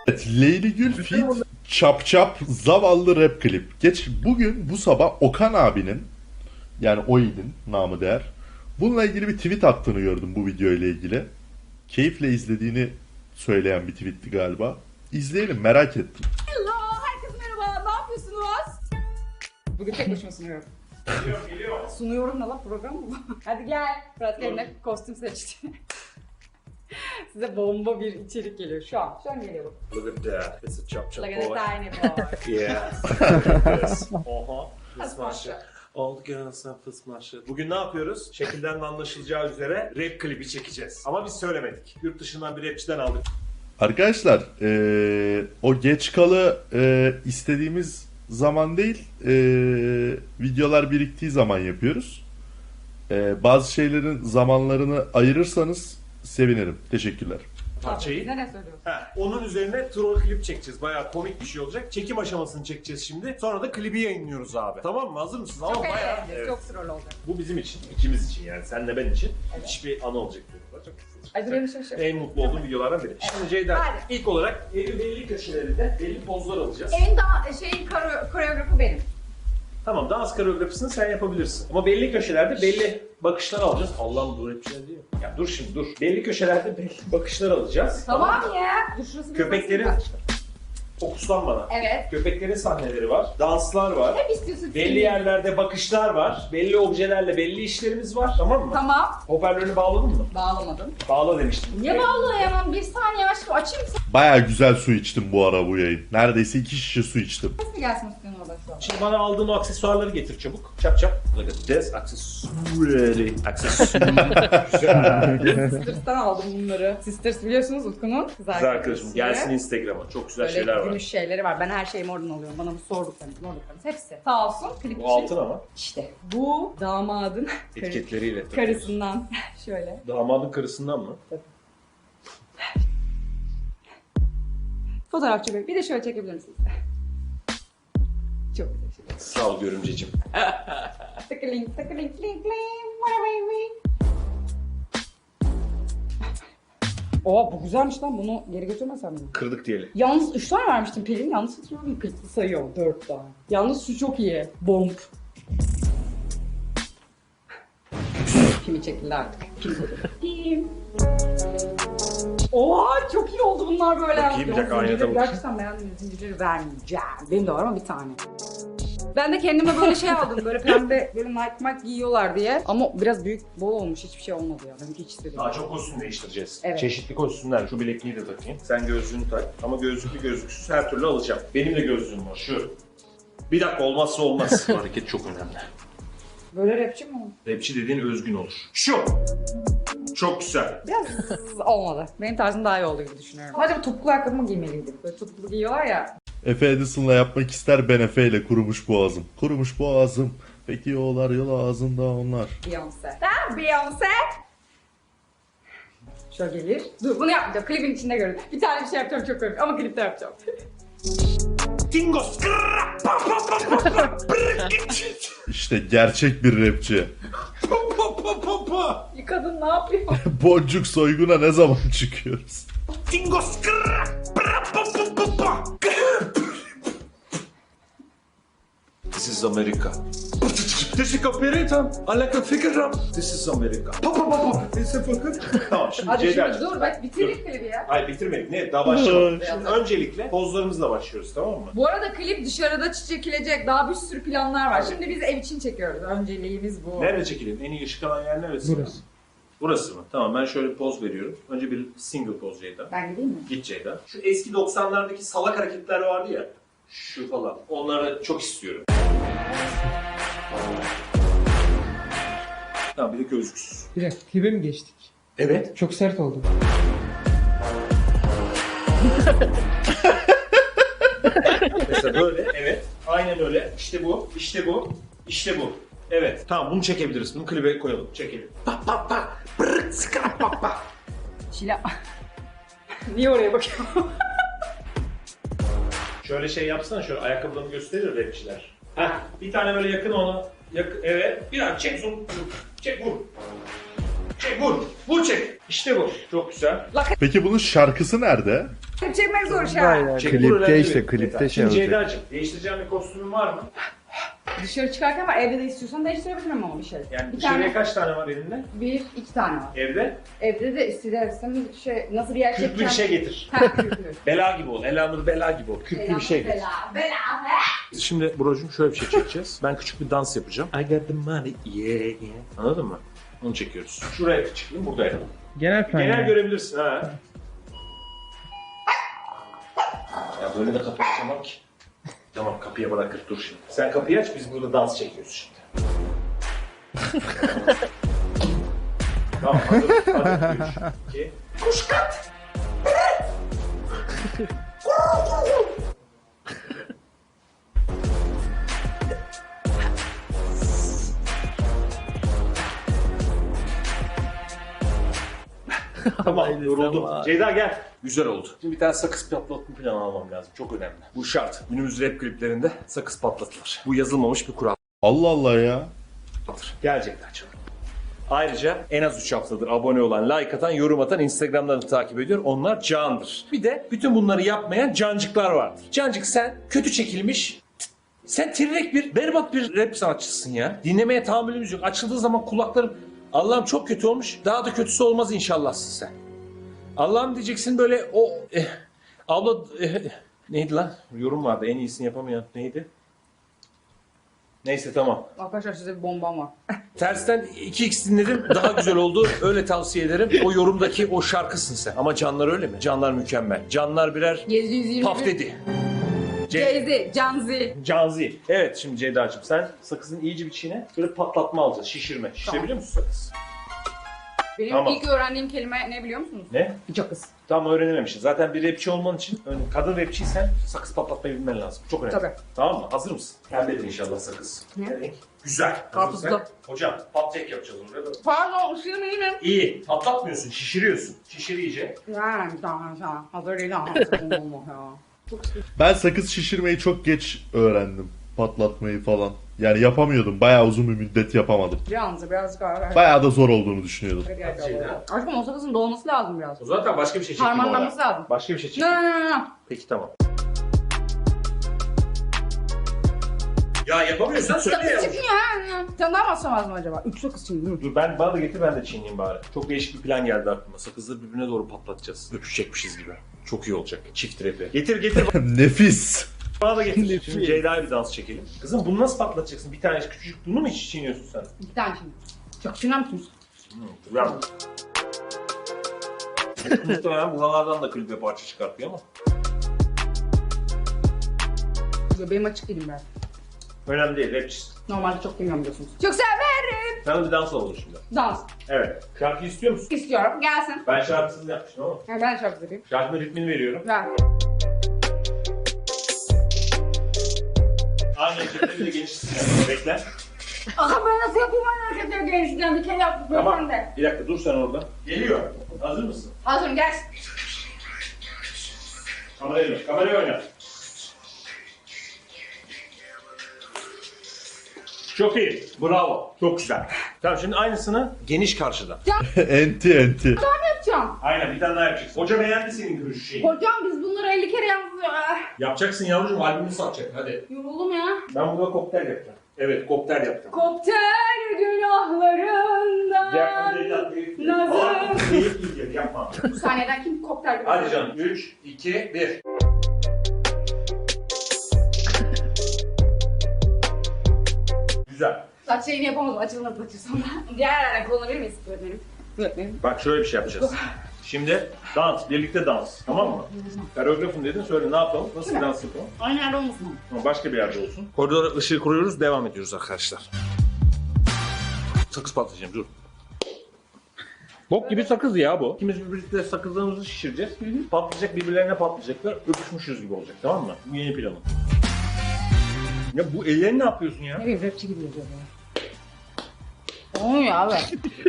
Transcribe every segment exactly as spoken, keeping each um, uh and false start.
Evet, Leyli Gül feat. Çap Çap zavallı rap klip. Geç bugün bu sabah Okan abinin, yani Oid'in namı değer, bununla ilgili bir tweet attığını gördüm bu video ile ilgili. Keyifle izlediğini söyleyen bir tweetti galiba. İzleyelim, merak ettim. Hello, herkese merhaba. Ne yapıyorsunuz? Bugün tek başıma sunuyorum. Geliyor, geliyor. Sunuyorum da lan, program mı bu? Hadi gel. Fırat kendine kostüm seçti. Size bomba bir içerik geliyor şu an. Şu an geliyor. Look at that. It's a chop chop Like a boy. tiny boy. Yeah. Look at this. Oha. Fıs Fısmaşı. maşı. All the girls are fıs maşı. Bugün ne yapıyoruz? Şekilden de anlaşılacağı üzere rap klibi çekeceğiz. Ama biz söylemedik. Yurt dışından bir rapçiden aldık. Arkadaşlar, eee, o geç kalı eee, istediğimiz zaman değil, eee, videolar biriktiği zaman yapıyoruz. Eee, bazı şeylerin zamanlarını ayırırsanız sevinirim. Teşekkürler. Parçayı. Bize ne söylüyorsun? Ha, onun üzerine troll klip çekeceğiz. Bayağı komik bir şey olacak. Çekim aşamasını çekeceğiz şimdi. Sonra da klibi yayınlıyoruz abi. Tamam mı? Hazır mısınız? Ama Çok bayağı. eğleneceğiz. Evet. Çok troll olacak. Bu bizim için, ikimiz için yani. Senle ben için. Evet. Müthiş bir anı olacak. Çok güzel. Ay dur, bir şey şey. En mutlu olduğum videolardan biri. Şimdi Ceyda, Hadi. ilk olarak eli belli köşelerinde belli pozlar alacağız. En daha şeyin kore- koreografı benim. Tamam, dans koreografisini sen yapabilirsin. Ama belli köşelerde belli bakışlar alacağız. Allah'ım bu rapçiler değil mi? Ya dur şimdi dur. Belli köşelerde belli bakışlar alacağız. Tamam ya. Dur şurası bir Köpeklerin, basın. fokuslan bana. Evet. Köpeklerin sahneleri var, danslar var. Hep istiyorsun. Belli yerlerde bakışlar var, belli objelerle belli işlerimiz var. Tamam mı? Tamam. Hoparlörünü bağladın mı? Bağlamadım. Bağla demiştim. Niye bağlayamam? Bir saniye aşkım, açayım mı? Baya güzel su içtim bu ara bu yayın. Neredeyse iki şişe su içtim. Ses mi gelsin istiyorsun orada şu an? Şimdi bana aldığın o aksesuarları getir çabuk. Çap çap. Look at this. Aksesuarı. Aksesuarı. Güzel. Sisters'tan aldım bunları. Sisters biliyorsunuz Utku'nun kız Kız arkadaşı. arkadaşım gelsin Instagram'a. Çok güzel Böyle şeyler var. gümüş şeyleri var. Ben her şeyimi oradan alıyorum. Bana bu sorduklarınız, sorduklarınız hepsi. Sağ olsun. Klip Bu için. altın ama. İşte bu damadın Etiketleriyle. karısından şöyle. Damadın karısından mı? Fotoğrafçı bey. Bir de şöyle çekebilir misiniz? Çok güzel şey. Sağ ol görümceciğim. Tıkıling tıkıling ling ling. What a baby. Oha, bu güzelmiş lan. Bunu geri götürmesem mi? Kırdık diyelim. Yalnız üç tane vermiştim Pelin. Yalnız hatırlıyorum, kırklı sayıyor. dört tane. Yalnız şu çok iyi. Bomb. Kimi çekildi artık. Kim? Oha, çok iyi oldu bunlar böyle. Bakayım, bir dakika, Yalnız aynada zincirleri bakayım. gerçekten beğendim. Zincirleri vermeyeceğim. Benim de var ama bir tane. Ben de kendime böyle şey aldım. Böyle pembe, böyle Nike Mike giyiyorlar diye. Ama biraz büyük, bol olmuş. Hiçbir şey olmadı ya. Ben hiç istedim. Daha çok kostüm değiştireceğiz. Evet. Çeşitli kostümler. Şu bilekliği de takayım. Sen gözlüğünü tak. Ama gözlüklü gözlüksüz her türlü alacağım. Benim de gözlüğüm var. Şu. Bir dakika, olmazsa olmaz. Bu hareket çok önemli. Böyle rapçi mi oldu? Rapçi dediğin özgün olur. Şu. Çok güzel. Biraz olmadı. Benim tarzım daha iyi oldu gibi düşünüyorum. Acaba topuklu ayakkabı mı giymeliydim? Böyle topuklu giyiyorlar ya. Efe Edison'la yapmak ister, ben Efe ile kurumuş boğazım. Kurumuş boğazım. Peki yollar yol ağzında onlar. Beyoncé. Sen Beyoncé. Şöyle gelir. Dur, bunu yapmayacağım. Klibin içinde görün. Bir tane bir şey yapacağım, çok komik ama klipte yapacağım. Tingos. İşte gerçek bir rapçi. Bir kadın ne yapıyor? Boncuk soyguna ne zaman çıkıyoruz? Tingos. This is America. This is America. I like a figure. This is America. Pa pa pa pa. This is America. Tamam şimdi Hadi Ceyda. şimdi dur, bak bitirdik klibi ya. Hayır bitirmedik. Ne? Daha başlamadık. Şimdi öncelikle pozlarımızla başlıyoruz, tamam mı? Bu arada klip dışarıda çekilecek. Daha bir sürü planlar var. Şimdi biz ev için çekiyoruz. Önceliğimiz bu. Nerede çekelim? En iyi ışık alan yer neresi? Burası. Burası mı? Tamam, ben şöyle bir poz veriyorum. Önce bir single poz Ceyda. Ben gideyim mi? Git Ceyda. Şu eski doksanlardaki salak hareketler vardı ya. Şu falan. Onları çok istiyorum. Tamam, bir de gözlüksüz. Bir dakika, klibe mi geçtik? Evet. Çok sert oldu. Mesela böyle, evet. Aynen öyle. İşte bu, işte bu, işte bu. Evet. Tamam, bunu çekebiliriz. Bunu klibe koyalım. Çekelim. Pa pa pa. Brrrt, skra, pa pa. Şila. Niye oraya bakıyorum? Şöyle şey yapsana, şöyle ayakkabılarını gösterir rapçiler. Heh, bir tane böyle yakın ona. Yak evet. Bir an çek zoom. Çek vur. Çek vur. Vur çek. İşte bu. Çok güzel. Peki bunun şarkısı nerede? Çekmek zor şu an. Aynen. Çek, vur, Klipte önemli işte değil. klipte şey Şimdi olacak. Ceyda'cığım değiştireceğim bir kostümün var mı? Dışarı çıkarken var. Evde de istiyorsan değiştirebilirim ama bir şey. Yani bir dışarıya tane, kaç tane var elinde? bir, iki tane var. Evde Evde de istersen şey, nasıl bir yer kürklü bir şey çekeceğim? getir. Ha, kürklü. Bela gibi ol. Elanur bela gibi ol. Kürklü bir şey getir. Bela, bela. Şimdi Buracığım şöyle bir şey çekeceğiz. Ben küçük bir dans yapacağım. I got the money, yeah, yeah. Anladın mı? Onu çekiyoruz. Şuraya çıkayım, burada yapalım. Genel plan. Genel yani. görebilirsin ha. Ya böyle de kapıyı açamam ki. Tamam kapıya bırakır dur şimdi. Sen kapıyı aç biz burada dans çekiyoruz şimdi. Tamam hazır. Hadi üç, iki. Kuşkat! Tamam yoruldum. Ceyda gel. Güzel oldu. Şimdi bir tane sakız patlatma planı almam lazım. Çok önemli. Bu şart. Günümüz rap kliplerinde sakız patlatılır. Bu yazılmamış bir kural. Allah Allah ya. Gelecekler canım. Ayrıca en az üç haftadır abone olan, like atan, yorum atan, Instagram'dan da takip ediyor. Onlar candır. Bir de bütün bunları yapmayan cancıklar vardır. Cancık sen kötü çekilmiş, sen tirnek bir, berbat bir rap sanatçısın ya. Dinlemeye tahammülümüz yok. Açıldığı zaman kulaklarım, Allah'ım çok kötü olmuş. Daha da kötüsü olmaz inşallahsın sen. Allah'ım diyeceksin böyle o... Eh, abla... Eh, neydi lan? Yorum vardı en iyisini yapamayan. Neydi? Neyse tamam. Arkadaşlar size bir bombam var. Tersten iki x dinledim. Daha güzel oldu. Öyle tavsiye ederim. O yorumdaki o şarkısın sen. Ama canlar öyle mi? Canlar mükemmel. Canlar birer yedi yüz yirmi. paf dedi. Ce- Jay-Z, Canzi. Canzi. Evet şimdi Ceyda'cığım sen sakızın iyice bir çiğne. Böyle patlatma alacağız. Şişirme. Şişirebiliyor musun sakız? Benim Tamam. ilk öğrendiğim kelime ne biliyor musunuz? Ne? Cakız. Tam öğrenememişsin. Zaten bir rapçi olman için ön- kadın rapçiysen sakız patlatmayı bilmen lazım. Çok önemli. Tabii. Tamam mı? Hazır mısın? Pembedir inşallah sakız. Ne? Evet. Güzel. Karpuzlu. Hazırsak- Hocam patlayık yapacağız oraya. Pardon, ısırmayayım. İyi. Patlatmıyorsun. Şişiriyorsun. Şişir iyice. Yani tamam tamam. Hazır değil ama. Olmaz ya. Çok sıkıntı. Ben sakız şişirmeyi çok geç öğrendim. Patlatmayı falan. Yani yapamıyordum. Bayağı uzun bir müddet yapamadım. Canzi birazcık daha. Bayağı da zor olduğunu düşünüyordum. Aşkım o sakızın dolması lazım biraz. O zaten başka bir şey çekeyim Harmanlaması orada. lazım. Başka bir şey No çekeyim. no no no. Peki tamam. Ya yapamıyorsan söyle ya. Sakız çıkıyor ya. Bir tane daha mı atsam lazım acaba? Üç sakız şimdi değil mi? Dur ben bana da getir ben de çiğneyim bari. Çok değişik bir plan geldi aklıma. Sakızları birbirine doğru patlatacağız. Öpüşecekmişiz gibi. Çok iyi olacak. Çift rapi. Getir getir Nefis. bana da getir. Şimdi Ceyda'ya bir dans çekelim. Kızım bunu nasıl patlatacaksın? Bir tane küçücük bunu mu hiç çiğniyorsun sen? İki tane şimdi. Çok çiğner misiniz? Hmm, güzel. Muhtemelen buralardan da klibe parça çıkartıyor ama. Benim açık değilim ben. Önemli değil, rapçisin. Normalde çok bilmiyorum biliyorsunuz. Çok severim. Sana bir dans alalım şimdi. Dans. Evet. Şarkı istiyor musun? İstiyorum. Gelsin. Ben şarkısını yapmıştım ama. Ha, ben şarkı yapayım. Şarkının ritmini veriyorum. Ver. Aynı şekilde bir de gençsin yani. Bekle. Aha ben nasıl yapayım ben hareketleri gençlikten bir kere yaptık Tamam. ben de. Bir dakika dur sen orada. Geliyor. Hazır mısın? Hazırım gelsin. Kamerayı ver. Kamerayı oyna. Çok iyi. Bravo. Çok güzel. Tamam şimdi aynısını geniş karşıdan. Enti enti. Yapacağım. Aynen bir tane daha yapacaksın. Hoca beğendi senin görüş şeyini. Hocam biz bunları elli kere yaptık. Ah, Yapacaksın yavrucuğum albümünü satacak hadi. yoruldum ya. Ben burada koktel yapacağım. Evet koktel yapacağım. Kopter günahlarından. Nazım. Değil değil yapma. Bu sahneden kim kopter gibi? Hadi canım. üç, iki, bir. Güzel. Saç şeyini yapamadım. Açılmadı saçı sonra. Diğer yerden kullanabilir miyiz öğretmenim? Öğretmenim. Bak şöyle bir şey yapacağız. Şimdi dans, birlikte dans. Tamam mı? Koreografım dedin söyle ne yapalım? Nasıl bir dans yapalım? Aynı yerde olmasın mı? Ama başka bir yerde olsun. Koridora ışığı kuruyoruz, devam ediyoruz arkadaşlar. Sakız patlayacağım, dur. Bok gibi sakız ya bu. İkimiz birlikte sakızlarımızı şişireceğiz. Hı hı. Patlayacak, birbirlerine patlayacaklar. Öpüşmüşüz gibi olacak, tamam mı? Bu yeni planım. Ya bu ellerini ne yapıyorsun ya? Ne bileyim rapçi gibi yazıyor ya. Olmuyor abi.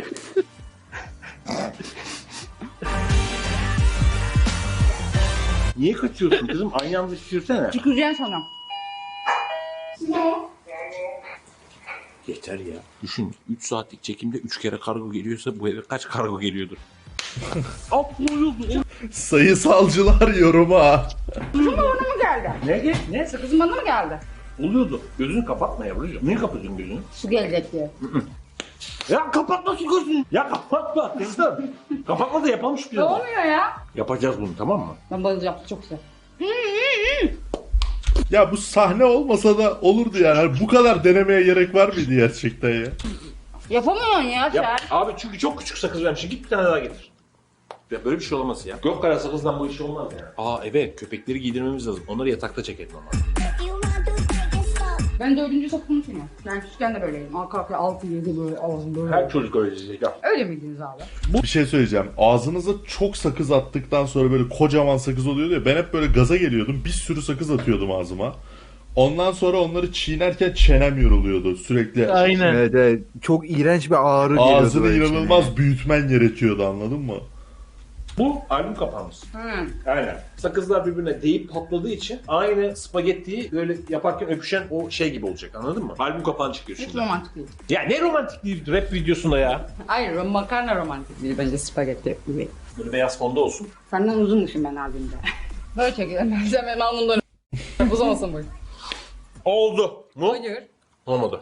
Niye kaçıyorsun kızım? Aynı anda şişirsene. Tüküreceğim sana. Geç. Yeter ya. Düşün üç saatlik çekimde üç kere kargo geliyorsa bu eve kaç kargo geliyordur? Sayısalcılar yoruma. Bana mı geldi? Ne? Ne? Sakızın bana mı geldi? Oluyordu. Gözünü kapatma yavrucuğum. Niye kapatıyorsun gözünü? Su gelecek diye. Ya kapatma şu gözünü. Ya kapatma kızım. Kapatma da yapalım şu Ne planı. olmuyor ya? Yapacağız bunu tamam mı? Ben bayılacağım. Çok güzel. Ya bu sahne olmasa da olurdu yani. Hani bu kadar denemeye gerek var mıydı gerçekten ya? Yapamıyorsun ya sen. Yap. Abi çünkü çok küçük sakız vermişim. Git bir tane daha getir. Ya böyle bir şey olmaz ya. Gök kara sakızdan bu iş olmaz ya. Aa evet köpekleri giydirmemiz lazım. Onları yatakta çekelim ama. Ben dördüncü sakızını çiğniyorum. Ben küçükken de böyleydim. Arka arkaya altı yedi böyle ağzım böyle. Her çocuk öyle diyecek ya. Öyle miydiniz abi? Bir şey söyleyeceğim. Ağzınıza çok sakız attıktan sonra böyle kocaman sakız oluyordu ya. Ben hep böyle gaza geliyordum. Bir sürü sakız atıyordum ağzıma. Ondan sonra onları çiğnerken çenem yoruluyordu sürekli. Aynen. Evet, evet. Çok iğrenç bir ağrı geliyordu. Ağzını böyle inanılmaz içine. büyütmen gerekiyordu, anladın mı? Bu albüm kapağımız. Hı. Aynen. Sakızlar birbirine değip patladığı için aynı spagettiyi böyle yaparken öpüşen o şey gibi olacak anladın mı? Albüm kapağını çıkıyor Hiç şimdi. romantik değil. Ya ne romantik değil rap videosunda ya. Hayır, makarna romantik değil. Bence spagetti gibi. Böyle beyaz fonda olsun. Senden uzunmuşum ben albümde. Böyle çekelim. Sen benim alnımdan uzamasın bu. Oldu. Mu? Hayır. Olmadı.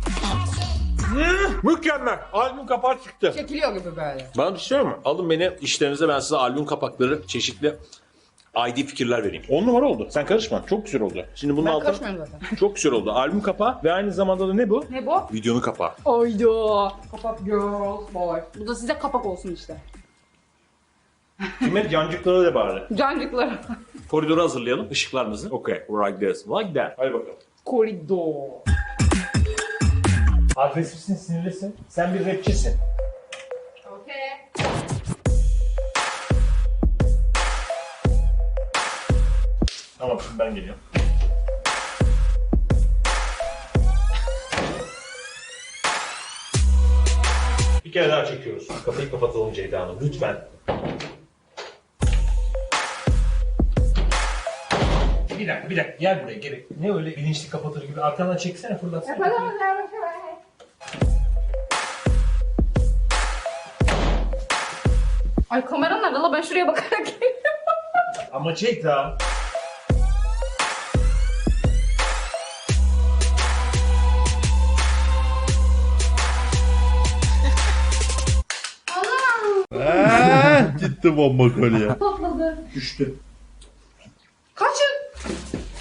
Hmm, mükemmel. Albüm kapağı çıktı. Çekiliyor gibi böyle. Bana bir şey söyleyeyim mi? Alın beni işlerinize ben size albüm kapakları çeşitli I D fikirler vereyim. on numara oldu. Sen karışma. Çok güzel oldu. Şimdi bunun Ben altına karışmıyorum zaten. çok güzel oldu. Albüm kapağı ve aynı zamanda da ne bu? Ne bu? Videonun kapağı. Oydu. Kapak girls boy. Bu da size kapak olsun işte. Kime cancıklara da bari. Cancıklar. Koridoru hazırlayalım. Işıklarımızı. Okay. Like this. Like that. Hadi bakalım. Koridor. Agresifsin, sinirlisin. Sen bir rapçisin. Okay. Tamam şimdi ben geliyorum. Bir kere daha çekiyoruz. Kapıyı kapatalım Ceyda Hanım. Lütfen. Bir dakika, bir dakika. Gel buraya, gel. Ne öyle bilinçli kapatır gibi. Arkandan çeksene, fırlatsana. Ay kameran nerede la? Ben şuraya bakarak geliyorum. Ama Ceyda. Eee, gitti bomba kolye. Patladı. Düştü. Kaçın.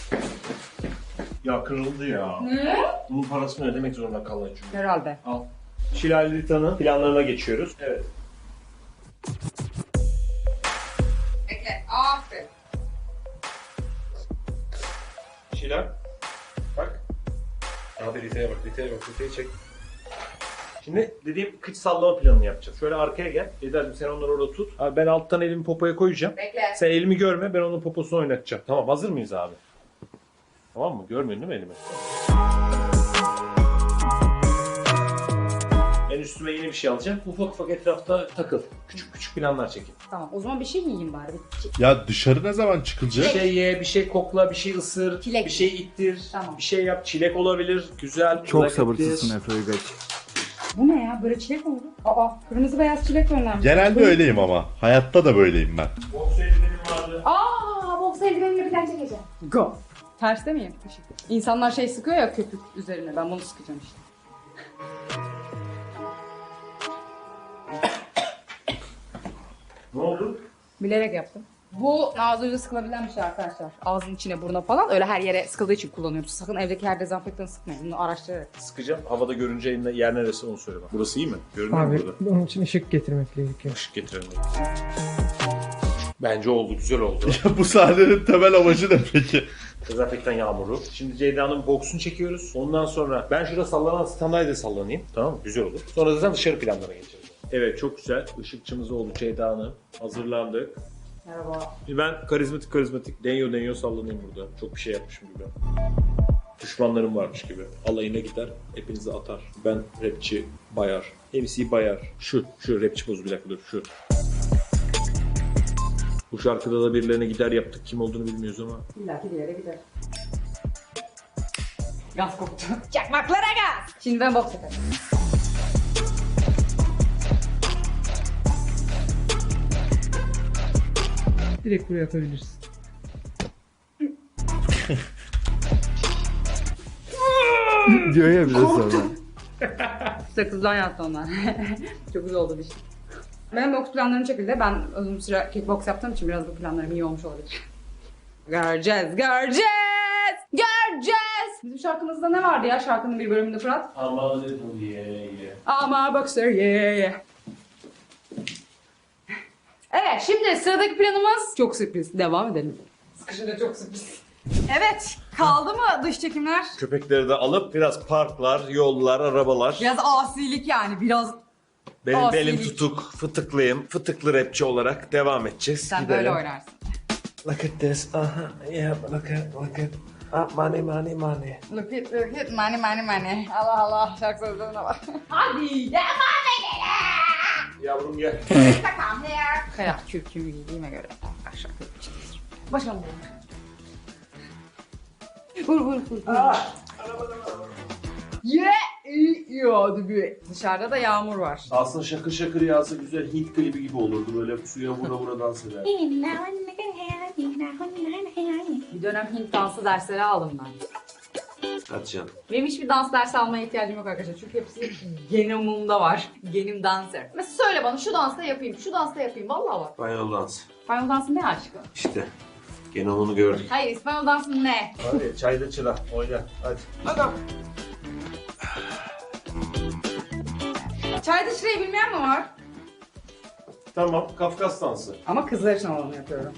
Ya kırıldı ya. Ne? Bunun parasını ödemek zorunda kalacağım. Herhalde. Al. Şilal Rita'nın planlarına geçiyoruz. Evet. Bekle. Aferin. Şilal. Bak. Abi Rita'ya bak, Rita'ya bak, Rita'yı çek. Şimdi dediğim kıç sallama planını yapacağız. Şöyle arkaya gel. Eda'cığım sen onları orada tut. Abi ben alttan elimi popoya koyacağım. Bekle. Sen elimi görme, ben onun poposunu oynatacağım. Tamam, hazır mıyız abi? Tamam mı? Görmüyorsun değil mi elimi? Ben üstüme yeni bir şey alacağım. Ufak ufak etrafta takıl. Küçük küçük planlar çekin. Tamam o zaman bir şey yiyeyim bari. Bir- Ya dışarı ne zaman Bir çıkılacak? şey ye, bir şey kokla, bir şey ısır, Çilek. bir şey ittir, Tamam. bir şey yap. Çilek olabilir, güzel. Çok lezzetli. sabırsızsın Efe Uygaç. Bu ne ya? Böyle çilek oldu. Aa kırmızı beyaz çilek göndermiş. Genelde öyleyim ama. Hayatta da böyleyim ben. Boks eldivenim vardı. Aa boks eldivenimle bir tane çekeceğim. Go. Terste miyim? İnsanlar şey sıkıyor ya köpük üzerine. Ben bunu sıkacağım işte. Ne oldu? Bilerek yaptım. Bu ağzınıza sıkılabilen bir şey arkadaşlar. Ağzın içine, buruna falan. Öyle her yere sıkıldığı için kullanıyoruz. Sakın evdeki her dezenfektanı sıkmayın. Bunu araştırarak. Sıkacağım. Havada görünce elinde yer neresi onu söyle bana. Burası iyi mi? Görünüyor mu Abi burada? onun için ışık getirmek gerekiyor. Işık getirelim. Bence oldu, güzel oldu. Bu sahnenin temel amacı ne peki? Dezenfektan yağmuru. Şimdi Ceyda'nın boksunu çekiyoruz. Ondan sonra ben şurada sallanan standayda sallanayım. Tamam mı? Güzel olur. Sonra zaten dışarı planlara geçeceğiz. Evet çok güzel. Işıkçımız oldu Ceyda Hanım. Hazırlandık. Merhaba. Şimdi ben karizmatik karizmatik denyo denyo sallanayım burada. Çok bir şey yapmışım gibi. Düşmanlarım varmış gibi. Alayına gider, hepinizi atar. Ben rapçi Bayar. M C Bayar. Şu, şu rapçi pozu bir dakika dur, şu. Bu şarkıda da birilerine gider yaptık. Kim olduğunu bilmiyoruz ama. İlla ki bir yere gider. Gaz koktu. Çakmaklara gaz. Şimdi ben boks yaparım. Direkt buraya atabilirsin. Diyor ya bize sonra. Sakızdan yattı onlar. Çok güzel oldu dişim. Benim boks planlarım şekilde. Ben uzun süre kickbox yaptığım için biraz bu planlarım iyi olmuş olabilir. Göreceğiz, göreceğiz, göreceğiz. Bizim şarkımızda ne vardı ya şarkının bir bölümünde Fırat? Ama little yeah yeah. Ama boxer yeah yeah. Evet, şimdi sıradaki planımız çok sürpriz. Devam edelim. Sıkışınca çok sürpriz. Evet, kaldı mı dış çekimler? Köpekleri de alıp biraz parklar, yollar, arabalar. Biraz asilik yani, biraz Benim asilik. belim tutuk, fıtıklıyım. Fıtıklı rapçi olarak devam edeceğiz. Sen Gidelim. böyle oynarsın. Look at this. Aha. Yeah, look at, look at. Ah, money, money, money. Look it, look it, money, money, money. Allah Allah, şarkı sözlerine bak. Hadi, devam edelim. Yavrum gel. Come here. Kayak kürkümü giydiğime göre aşağı yapacağız. Başlayalım. Vur vur vur. vur. Yeah, iyi hadi bir. Dışarıda da yağmur var. Aslında şakır şakır yağsa güzel Hint klibi gibi olurdu. Böyle suya vura vura dans eder. Bir dönem Hint dansı dersleri aldım ben. Hadi canım. Benim hiçbir dans dersi almaya ihtiyacım yok arkadaşlar. Çünkü hepsi genomumda var. Genim dancer. Mesela söyle bana şu dansta yapayım, şu dansta yapayım. Vallahi bak. İspanyol dans. İspanyol dansı ne aşkım? İşte. Gene onu gördük. Hayır, İspanyol dansı ne? Hadi çayda çıra. Oyna. Hadi. Hadi. Çayda şurayı bilmeyen mi var? Tamam. Kafkas dansı. Ama kızlar için olanı yapıyorum.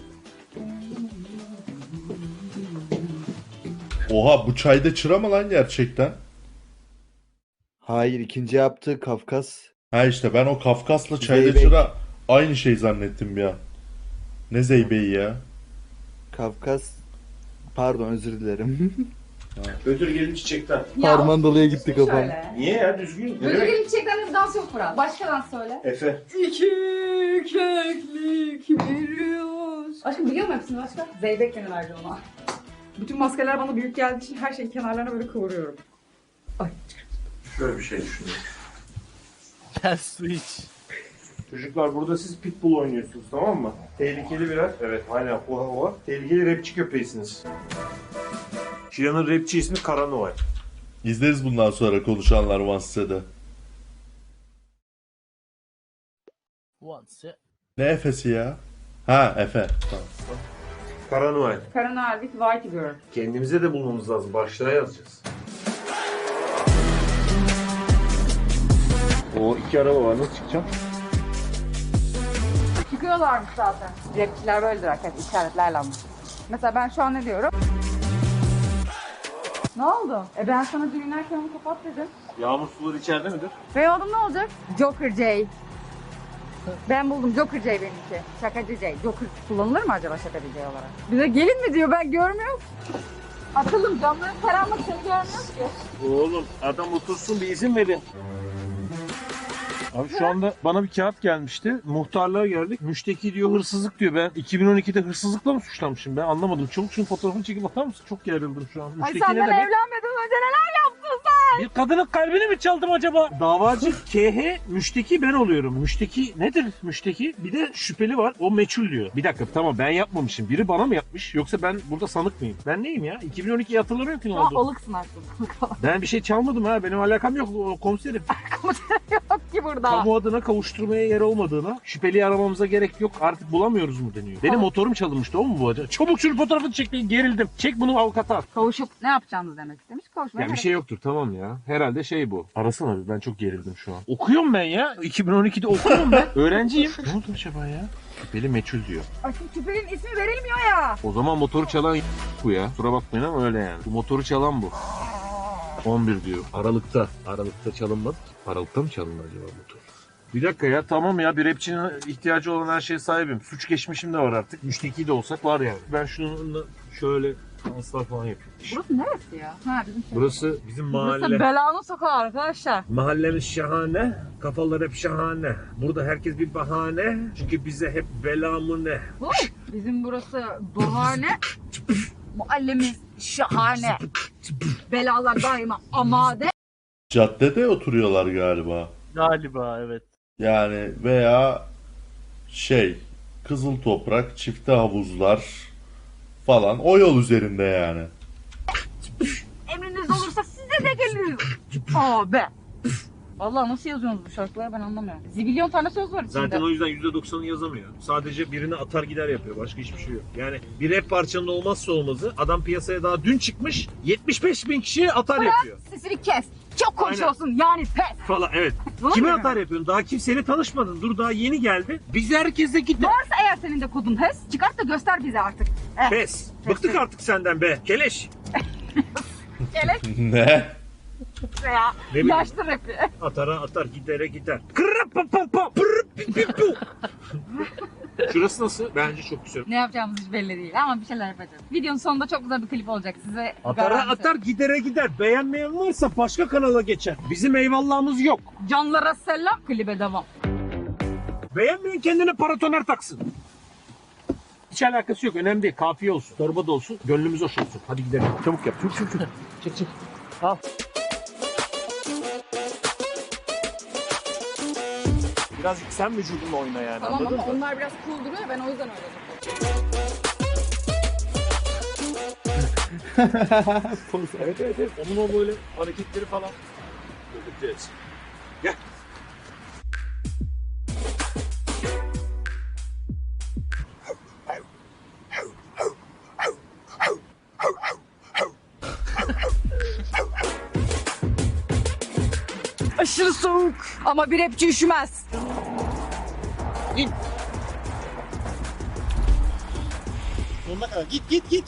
Oha bu çayda çıra mı lan gerçekten? Hayır, ikinci yaptığı Kafkas. Ha işte ben o Kafkas'la çayda Zeybek. çıra aynı şey zannettim ya. Ne zeybeği ya? Kafkas. Pardon, özür dilerim. Ödül gelin çiçekten. Harmandalı'ya gitti kafam. Şöyle. Niye ya düzgün? Ne Ödül demek? gelip çiçekten bir dans yok Fırat. Başka dans söyle. Efe. İki keklik bir yaz. Aşkım biliyor musun hepsini başka? Zeybek beni verdi ona. Bütün maskeler bana büyük geldiği için her şeyin kenarlarına böyle kıvırıyorum. Ay. Şöyle bir şey düşünün. Ters switch. Çocuklar burada siz pitbull oynuyorsunuz, tamam mı? Tehlikeli biraz. Evet, aynen o hava. Tehlikeli rapçi köpeğisiniz. Şilan'ın rapçi ismi Kara Noel. İzleriz bundan sonra konuşanlar Vansse'de. Ne Efe'si ya? Ha Efe. Tamam. Kara Noel. Karanal with White Girl. Kendimize de bulmamız lazım. Başlığa yazacağız. O iki araba var. Nasıl çıkacağım? Çıkıyorlarmış zaten. Rapçiler böyledir arkadaşlar, işaretlerle ama. Mesela ben şu an ne diyorum? Ne oldu? E ben sana dün inerken onu kapat dedim. Yağmur suları içeride midir? Benim adım ne olacak? Joker J. Ben buldum Joker J benimki. Şakacı J. Joker kullanılır mı acaba şakacı J olarak? Bize gelin mi diyor, ben görmüyorum. Atılım, camların karanlık, seni görmüyoruz ki. Oğlum adam otursun, bir izin verin. Abi şu anda bana bir kağıt gelmişti. Muhtarlığa geldik. Müşteki diyor hırsızlık diyor. Ben iki bin on ikide hırsızlıkla mı suçlanmışım? Ben anlamadım. Çabuk şunun fotoğrafını çekip atar mısın? Çok gerildim şu an. Ay Müşteki senden ne demek? evlenmeden önce neler yaptın sen? Bir kadının kalbini mi çaldım acaba? Davacı K H, müşteki ben oluyorum. Müşteki nedir müşteki? Bir de şüpheli var. O meçhul diyor. Bir dakika tamam ben yapmamışım. Biri bana mı yapmış? Yoksa ben burada sanık mıyım? Ben neyim ya? iki bin on ikiyi hatırlamıyorum ki ne Şu an oldu. alıksın aslında. Ben bir şey çalmadım ha. Benim alakam yok. O komiserim. Yok ki burada. Kamu adına kavuşturmaya yer olmadığına, şüpheliyi aramamıza gerek yok. Artık bulamıyoruz mu deniyor. Benim motorum çalınmıştı. O mu bu acaba? Çabuk şunun fotoğrafını çek. Gerildim. Çek bunu avukata at. Kavuşup ne yapacağınız demek istemiş. Kavuşmaya Ya bir gerek şey yoktur tamam ya. Herhalde şey bu. Arasana bir ben çok gerildim şu an. Okuyorum ben ya. iki bin on ikide okuyorum ben. Öğrenciyim. Ne oldu acaba ya? Şüpheli meçhul diyor. Ay şu tüplerin ismi verilmiyor ya. O zaman motoru çalan bu ya. Kusura bakmayın ama öyle yani. Bu motoru çalan bu. on bir diyor. Aralıkta. Aralıkta çalınmadı ki. Aralıkta mı çalındı acaba motor? Bir dakika ya tamam ya bir rapçinin ihtiyacı olan her şeye sahibim. Suç geçmişim de var artık. Müşteki de olsak var yani. Ben şununla şöyle danslar falan yapıyorum. Burası neresi ya? Ha bizim şey. Burası bizim mahalle. Burası belanın sokağı arkadaşlar. Mahallemiz şahane, kafalar hep şahane. Burada herkes bir bahane. Çünkü bize hep bela mı ne? Bu bizim burası bahane. Muallimiz şahane. Belalar daima amade. Caddede oturuyorlar galiba. Galiba evet. Yani veya şey Kızıl Toprak, çifte havuzlar falan o yol üzerinde yani. Emriniz olursa size de geliyor. Abi. Vallahi nasıl yazıyorsunuz bu şarkıları ben anlamıyorum. Zibilyon tane söz var içinde. Zaten o yüzden yüzde doksanı yazamıyor. Sadece birini atar gider yapıyor. Başka hiçbir şey yok. Yani bir rap parçanın olmazsa olmazı adam piyasaya daha dün çıkmış yetmiş beş bin kişiye atar yapıyor. Sesini kes. Çok konuşuyorsun yani pes. Falan evet. Var Kime mı? atar yapıyorsun? Daha kimseyle tanışmadın. Dur daha yeni geldi. Biz herkese gitti. Varsa eğer senin de kodun H E S çıkart da göster bize artık. Eh. Pes. Bıktık artık senden be. Keleş. Gele Ne? ya. Ne bileyim. Yaşlı rapi. Atara atar, gidere gider. Kırrap pam pam pam. Pırrıp pip pip pu. Şurası nasıl? Bence çok güzel. Ne yapacağımız hiç belli değil ama bir şeyler yapacağız. Videonun sonunda çok güzel bir klip olacak size. Atara garanti. atar, gidere gider. Beğenmeyen varsa başka kanala geçer. Bizim eyvallahımız yok. Canlara selam, klibe devam. Beğenmeyen kendine paratoner taksın. Hiç alakası yok. Önemli değil. Kafiye olsun. Torba da olsun. Gönlümüz hoş olsun. Hadi gidelim. Çabuk yap. Çabuk çabuk çabuk. Çek çek. Al. Birazcık sen vücudunla oyna yani. Tamam anladın ama mı? onlar biraz cool duruyor ben o yüzden öyle Evet evet evet. Onun o böyle hareketleri falan. Göreceğiz. Gel. Aşırı soğuk ama bir rapçi üşümez. İn. Sonuna kadar. Git git git.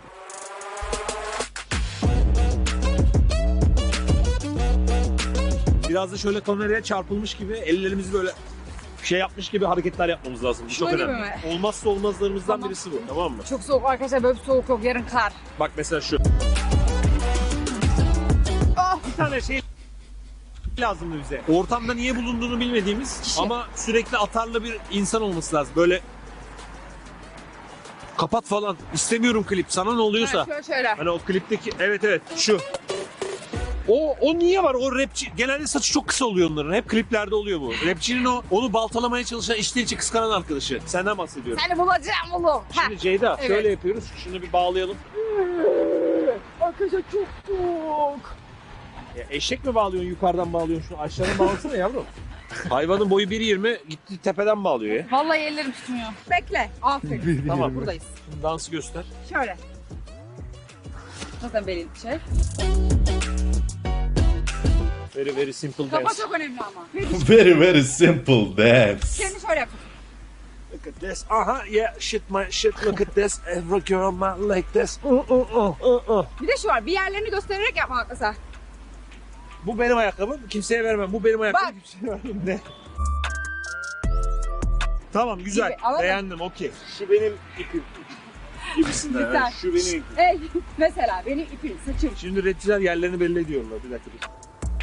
Biraz da şöyle kameraya çarpılmış gibi ellerimizi böyle şey yapmış gibi hareketler yapmamız lazım. Bu çok Şöyle önemli. mi? Olmazsa olmazlarımızdan Tamam. birisi bu. Tamam mı? Çok soğuk arkadaşlar böyle bir soğuk yok yarın kar. Bak mesela şu. Ah! Bir tane şey lazımdı bize. Ortamda niye bulunduğunu bilmediğimiz Kişi. ama sürekli atarlı bir insan olması lazım. Böyle kapat falan. İstemiyorum klip. Sana ne oluyorsa. Ha, şöyle şöyle. Hani o klipteki evet evet şu. O o niye var? O rapçi genelde saçı çok kısa oluyor onların. Hep kliplerde oluyor bu. Rapçinin o onu baltalamaya çalışan içten içe kıskanan arkadaşı. Senden bahsediyorum. Seni bulacağım oğlum. Şimdi Ceyda Evet. şöyle yapıyoruz. Şunu bir bağlayalım. Arkadaşlar çok soğuk. Ya eşek mi bağlıyorsun yukarıdan bağlıyorsun şunu aşağıdan bağlasana yavrum. Hayvanın boyu bir yirmi gitti tepeden bağlıyor ya. Vallahi ellerim tutmuyor. Bekle. Aferin. Tamam. Buradayız. Şimdi dansı göster. Şöyle. Zaten belin şey. Very very simple Kafa dance. çok önemli ama. Very very simple dance. Kendi şöyle yap. Look at this. Aha yeah shit my shit look at this. Every girl might like this. Uh, uh, uh, uh, uh. Bir de şu var. Bir yerlerini göstererek yapmak mesela. Bu benim ayakkabım. Kimseye vermem. Bu benim ayakkabım. Bak. Kimseye vermem. Ne? Tamam güzel. Gibi, anladın? Beğendim okey. Şu benim ipim. Gibisinden. Güzel. Evet, şu benim ipim. Ey, mesela benim ipim, saçım. Şimdi rapçiler yerlerini belli ediyorlar. Bir dakika dur.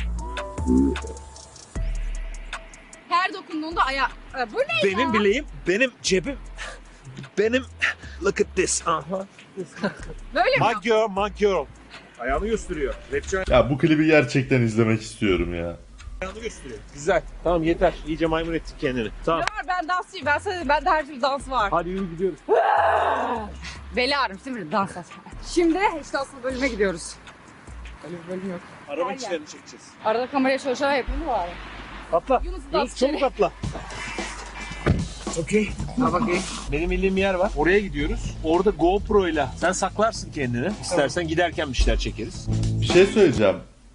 Her dokunduğunda aya... E, bu ne Benim ya? bileğim, benim cebim, benim... Look at this. Aha. Böyle mi? My girl, my girl. Ayağını gösteriyor. Rapçi Ya bu klibi gerçekten izlemek istiyorum ya. ayağını gösteriyor. Güzel. Tamam yeter. İyice maymun ettik kendini. Tamam. Ne var ben dansçıyım. Ben sana ben de her türlü dans var. Hadi yürü gidiyoruz. Beli ağrımıştı bir dans et. Şimdi işte asıl bölüme gidiyoruz. Öyle bir bölüm yok. Araba Gel, içlerini çekeceğiz. Arada kameraya şöyle şöyle yapayım mı bari? Atla. Yunus Yunus, dans çabuk içeri. atla. Okey. Ha bakayım. Benim bildiğim bir yer var. Oraya gidiyoruz. Orada GoPro ile sen saklarsın kendini. İstersen giderken bir şeyler çekeriz. Bir şey söyleyeceğim.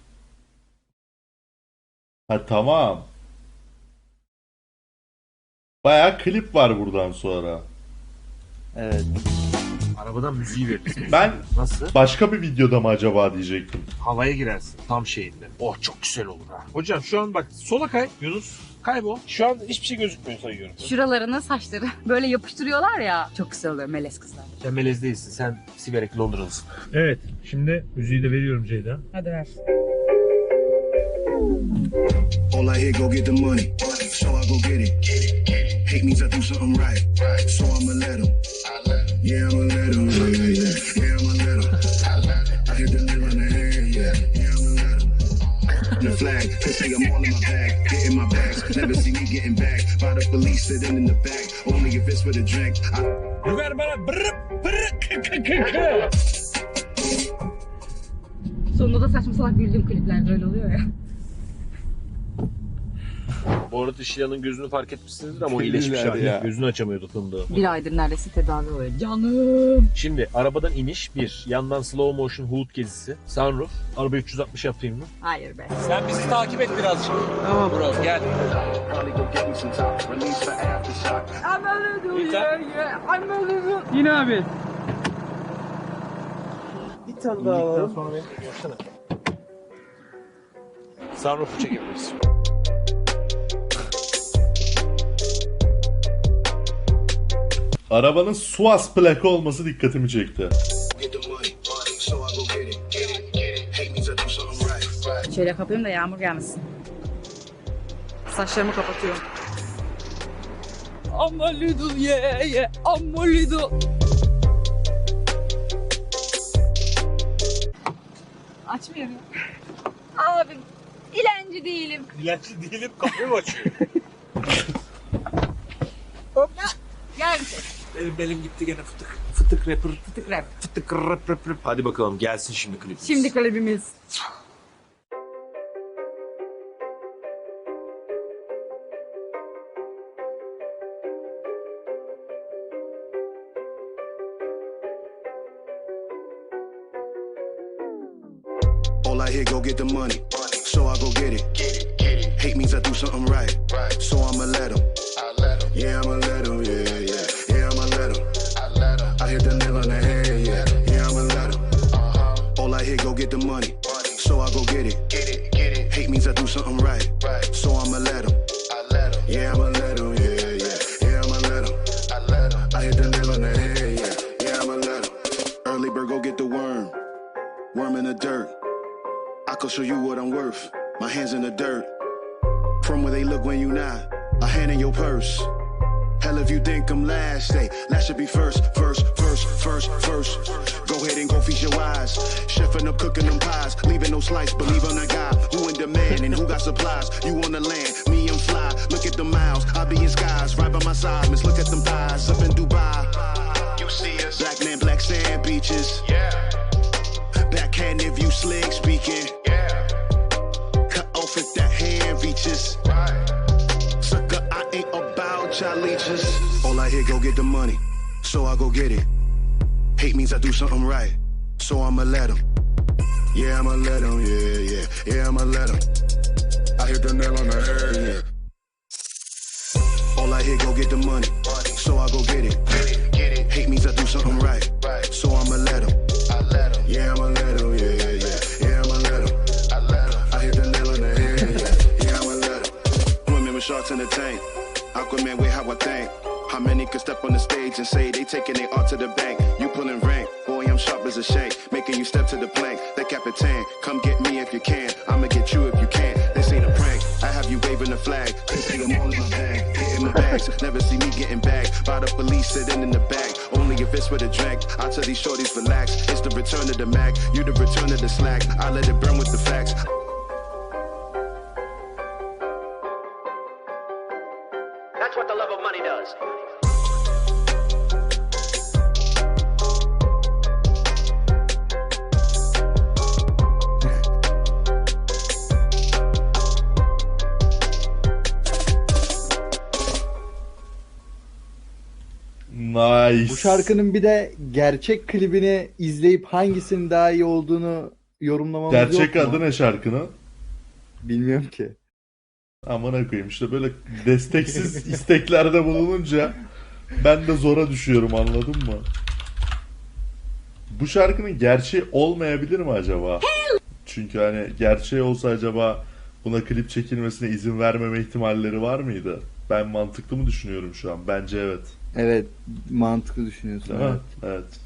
Ha tamam. Bayağı klip var buradan sonra. Evet. Arabadan müziği veririz. Ben Nasıl? başka bir videoda mı acaba diyecektim. Havaya girersin tam şeyinde. Oh çok güzel olur ha. Hocam şu an bak sola kay Yunus. Kaybol. Şu an hiçbir şey gözükmüyor sayıyorum. Şuralarını saçları böyle yapıştırıyorlar ya. Çok güzel oluyor melez kızlar. Sen melez değilsin. Sen siverek Londralısın. Evet. Şimdi müziği de veriyorum Ceyda. Hadi ver. All I hear, go get the money. So I go get it. Hate means I do something right. So I'ma let him. Yeah, I'ma let him. Yeah, yeah, yeah. Yeah, I'ma let him. I hit the middle and flag. Cause say I'm all in my bag, getting my bags. Never see me getting back by the police sitting in the back. Only if it's for the drink. I Yukarı bana brıp brıp kı kı kı kı. Sonunda da saçma salak güldüğüm kliplerde öyle oluyor ya. Bu arada Şilan'ın gözünü fark etmişsinizdir ama o iyileşmiş Deliler hali. ya. Gözünü açamıyordu fındığı. Bir aydır neredeyse tedavi oluyor. Canım. Şimdi arabadan iniş bir. Yandan slow motion hood gezisi. Sunroof. Araba üç yüz altmış yapayım mı? Hayır be. Sen bizi takip et birazcık. Tamam bro gel. probably go get me some top. Release for aftershock. I'm a little Bir tane- yeah, yeah. I'm a little. Yine abi. Bir tane daha alalım. Sonra beni yapsana. Sunroof'u çekebiliriz. Arabanın Suaz plaka olması dikkatimi çekti. Get the money, so I go get it. Get it, get it. Hate means I do something right. Right. Şöyle kapayım da yağmur gelmesin. Saçlarımı kapatıyorum. I'm a little yeah yeah. I'm a little. Açmıyorum. Abim dilenci değilim. Dilenci değilim kapıyı mı açıyor? Gel. Benim belim gitti gene fıtık. Fıtık rapper. Fıtık rap. Fıtık rap rap rap. Hadi bakalım gelsin şimdi klipimiz. Şimdi klibimiz. All I hear, go get the money. So I go get it. Hate means I do something right. So I'ma let him. Yeah, I'ma let him. Yeah, yeah. Yeah, I'ma let him. I hit the nail on the head. Yeah, yeah, I'ma let him. All I hear, go get the money. So I go get it. Hate means I do something right. So I'ma let him. Yeah, I'ma let him. Yeah, yeah. Yeah, I'ma let him. I hit the nail on the head. Yeah, yeah, I'ma let him. Early bird, go get the worm. Worm in the dirt. I can show you what I'm worth. My hands in the dirt. From where they look when you not. A hand in your purse. Hell if you think I'm last, say last should be first, first, first, first, first. Go ahead and go feast your eyes. Chefing up, cooking them pies, leaving no slice. Believe on a guy who in demand and who got supplies. You on the land, me I'm fly. Look at the miles, I be in skies, right by my side. Miss, look at them thighs up in Dubai. You see us, black man, black sand beaches. Yeah. Backhand if you slick speaking. Yeah. Cut off if that hand reaches. Right. Sucker, I ain't about y'all leeches. All I hear, go get the money. So I go get it. Hate means I do something right. So I'ma let him. Yeah, I'ma let him. Yeah, yeah. Yeah, I'ma let him. I hit the nail on the head. Yeah. All I hear, go get the money. So I go get it. Hate means I do something right. So I'ma let him. Yeah, I'ma let him. Yeah, yeah. Yeah, I'ma let him. I hit the nail on the head. Yeah, yeah, I'ma let him. Women with sharks in the tank. Aquaman with how I think. How many could step on the stage and say they taking their art to the bank? You pulling rank, boy, I'm sharp as a shank. Making you step to the plank. The Capitan, come get me if you can. I'ma get you if you can. This ain't a prank. I have you waving the flag. They say I'm all in my bag, getting my bags. Never see me getting bagged by the police sitting in the back. Only if it's for the drink. I tell these shorties relax. It's the return of the Mac. You the return of the slack. I let it burn with the facts. That's what the love of money does. Nice. Bu şarkının bir de gerçek klibini izleyip hangisinin daha iyi olduğunu yorumlamamız Gerçek yok mu? adı ne şarkının? Bilmiyorum ki. Amına koyayım işte böyle desteksiz isteklerde bulununca ben de zora düşüyorum, anladın mı? Bu şarkının gerçeği olmayabilir mi acaba? Çünkü hani gerçeği olsa acaba buna klip çekilmesine izin vermeme ihtimalleri var mıydı? Ben mantıklı mı düşünüyorum şu an? Bence evet. Evet, mantıklı düşünüyorsun. Değil mi? Evet. Evet.